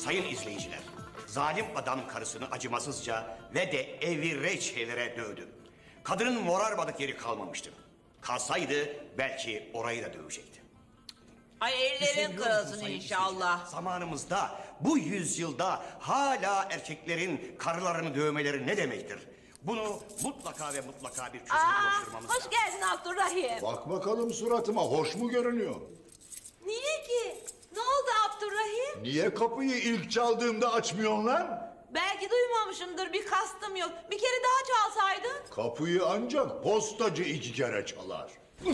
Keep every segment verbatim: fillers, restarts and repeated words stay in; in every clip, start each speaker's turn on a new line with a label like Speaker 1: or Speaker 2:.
Speaker 1: Sayın izleyiciler, zalim adam karısını acımasızca ve de evi reçelere dövdü. Kadının morarmadık yeri kalmamıştı. Kalsaydı belki orayı da dövecekti.
Speaker 2: Ay ellerin
Speaker 1: Düşünüyor musun
Speaker 2: kırılsın
Speaker 1: sayın
Speaker 2: inşallah.
Speaker 1: izleyiciler? Zamanımızda, bu yüzyılda hala erkeklerin karılarını dövmeleri ne demektir? Bunu mutlaka ve mutlaka bir çözüme
Speaker 2: Aa,
Speaker 1: ulaştırmamız
Speaker 2: hoş
Speaker 1: lazım.
Speaker 2: geldin Abdurrahim.
Speaker 3: Bak bakalım suratıma, hoş mu görünüyor?
Speaker 2: Niye ki? Ne oldu Abdurrahim?
Speaker 3: Niye kapıyı ilk çaldığımda açmıyorsun lan?
Speaker 2: Belki duymamışımdır, bir kastım yok. Bir kere daha çalsaydın.
Speaker 3: Kapıyı ancak postacı iki kere çalar.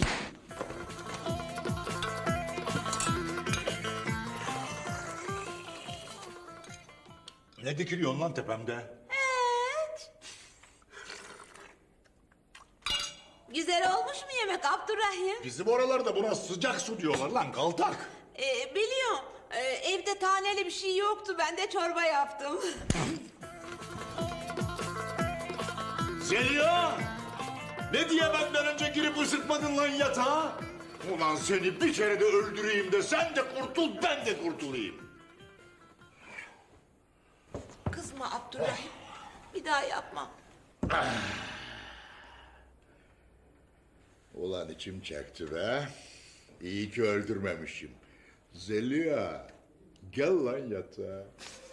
Speaker 3: Ne dikiliyorsun lan tepemde?
Speaker 2: Evet. Güzel olmuş mu yemek Abdurrahim?
Speaker 3: Bizim oralarda buna sıcak su diyorlar lan, kaltak.
Speaker 2: Ee, biliyorum. Ee, evde taneli bir şey yoktu. Ben de çorba yaptım.
Speaker 3: Zeliha! Ne diye benden önce girip ısıtmadın lan yatağa? Ulan seni bir kere de öldüreyim de sen de kurtul, ben de kurtulayım.
Speaker 2: Kızma Abdurrahim. Bir daha yapmam.
Speaker 3: Ulan içim çekti be. İyi ki öldürmemişim. Zeliha, gel lan yatağa.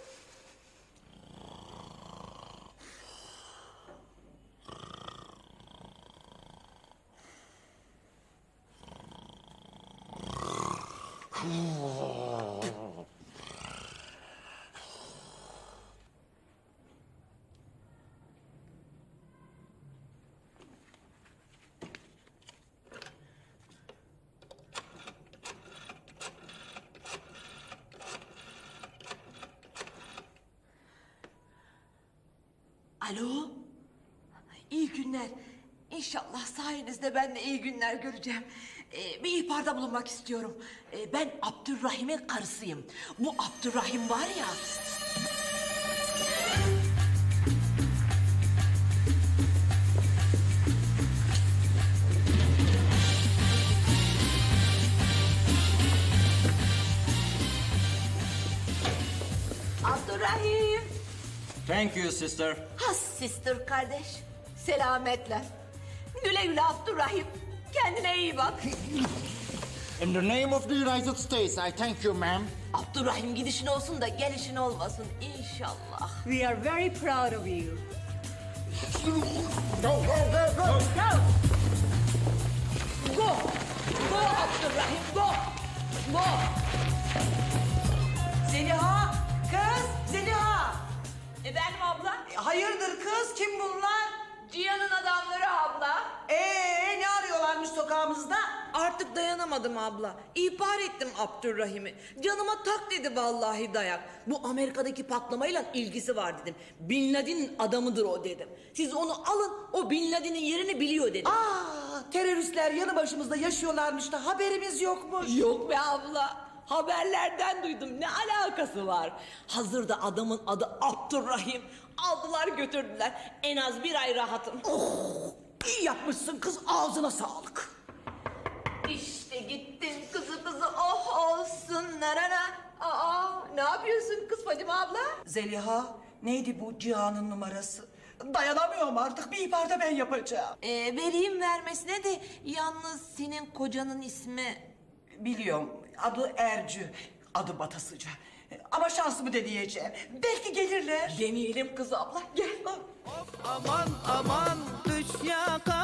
Speaker 2: Alo. İyi günler. İnşallah sayenizde ben de iyi günler göreceğim. Ee, bir ihbarda bulunmak istiyorum. Ee, ben Abdurrahim'in karısıyım. Bu Abdurrahim var ya... Abdurrahim.
Speaker 4: Thank you, sister.
Speaker 2: Has sister kardeş. Selametle. Güle güle Abdurrahim. Kendine iyi bak.
Speaker 4: In the name of the United States, I thank you, ma'am.
Speaker 2: Abdurrahim gidişin olsun da gelişin olmasın inşallah.
Speaker 5: We are very proud of you.
Speaker 4: Go, go, go, go!
Speaker 2: Go! Go! Go Abdurrahim, go! Go!
Speaker 6: Zeliha, kız Zeliha.
Speaker 2: Efendim abla?
Speaker 6: E, Hayırdır kız, kim bunlar?
Speaker 2: Cihan'ın adamları abla.
Speaker 6: Ee, ne arıyorlarmış sokağımızda?
Speaker 2: Artık dayanamadım abla. İhbar ettim Abdurrahim'i. Canıma tak dedi vallahi dayak. Bu Amerika'daki patlamayla ilgisi var dedim. Bin Laden'in adamıdır o dedim. Siz onu alın, o Bin Laden'in yerini biliyor dedim.
Speaker 6: Aa, teröristler yanı başımızda yaşıyorlarmış da haberimiz yokmuş.
Speaker 2: Yok be abla. Haberlerden duydum. Ne alakası var? Hazırda adamın adı Abdurrahim. Aldılar götürdüler. En az bir ay rahatım.
Speaker 6: Oh, iyi yapmışsın kız, ağzına sağlık.
Speaker 2: İşte gittin kızı kızı oh olsun narana. Aa, ne yapıyorsun kız Fadime abla?
Speaker 6: Zeliha, neydi bu Cihan'ın numarası? Dayanamıyorum artık, bir ihbarda ben yapacağım.
Speaker 2: Ee, vereyim vermesine de yalnız senin kocanın ismi...
Speaker 6: Biliyorum, adı Ercü, adı Batasıca. Ama şansımı deneyeceğim. Belki gelirler.
Speaker 2: Deneyelim kız abla gel.
Speaker 7: Aman aman düş yaka